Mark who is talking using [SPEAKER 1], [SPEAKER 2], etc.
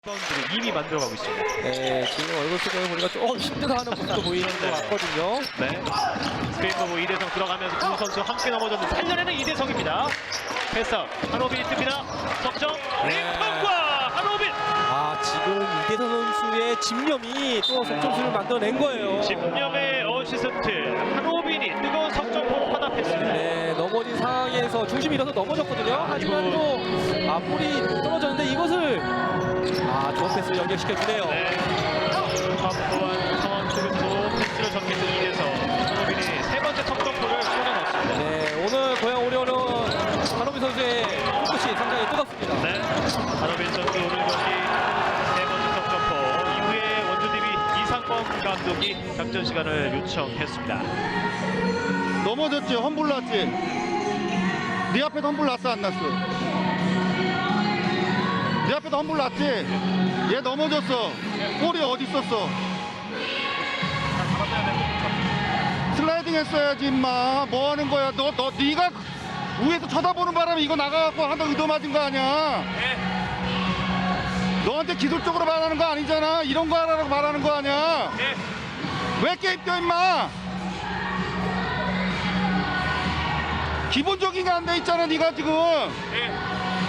[SPEAKER 1] 선수를 이미 만들어가고 있습니다.
[SPEAKER 2] 네, 지금 얼굴 표정을 보니까 조금 힘들어하는 모습도 보이는 것 같거든요.
[SPEAKER 1] 네. 스페인 보고 이대성 들어가면서 두 선수 함께 넘어졌는데 살려내는 이대성입니다. 패스아웃 한호빈이 뜹니다. 석점 링컨과 한호빈.
[SPEAKER 2] 지금 이대성 선수의 집념이 또 석점수를 만들어낸 거예요.
[SPEAKER 1] 집념의 어시스트 한호빈이 뜨거운 석점 공을 화답했습니다.
[SPEAKER 2] 네, 넘어진 상황에서 중심이 잃어서 넘어졌거든요. 하지만 또 볼이 떨어졌는데 이것을 좋은 패스를 연결시켜주네요.
[SPEAKER 1] 네. 확보한 상황 속에서도 패스를 전개했던 이대성. 한호빈이 세 번째 석점포를 쏟아넣었습니다.
[SPEAKER 2] 네, 오늘 고양 오리온은 한호빈 선수의 끝이 상당히 뜨겁습니다.
[SPEAKER 1] 네. 한호빈 선수 오늘 경기 세 번째 석점포 이후에 원주DB 이상범 감독이 작전 시간을 요청했습니다.
[SPEAKER 3] 넘어졌지? 험불 났지? 네 앞에도 험불 났어 안 났어? 네 앞에도 험불 났지? 얘 넘어졌어. 볼이 어디 있었어? 슬라이딩 했어야지 임마. 뭐 하는 거야? 네가 위에서 쳐다보는 바람에 이거 나가갖고 한번 의도 맞은 거 아니야? 너한테 기술적으로 말하는 거 아니잖아. 이런 거 하라고 말하는 거 아니야? 왜 게임 껴 임마? 기본적인 게 안 돼 있잖아. 네가 지금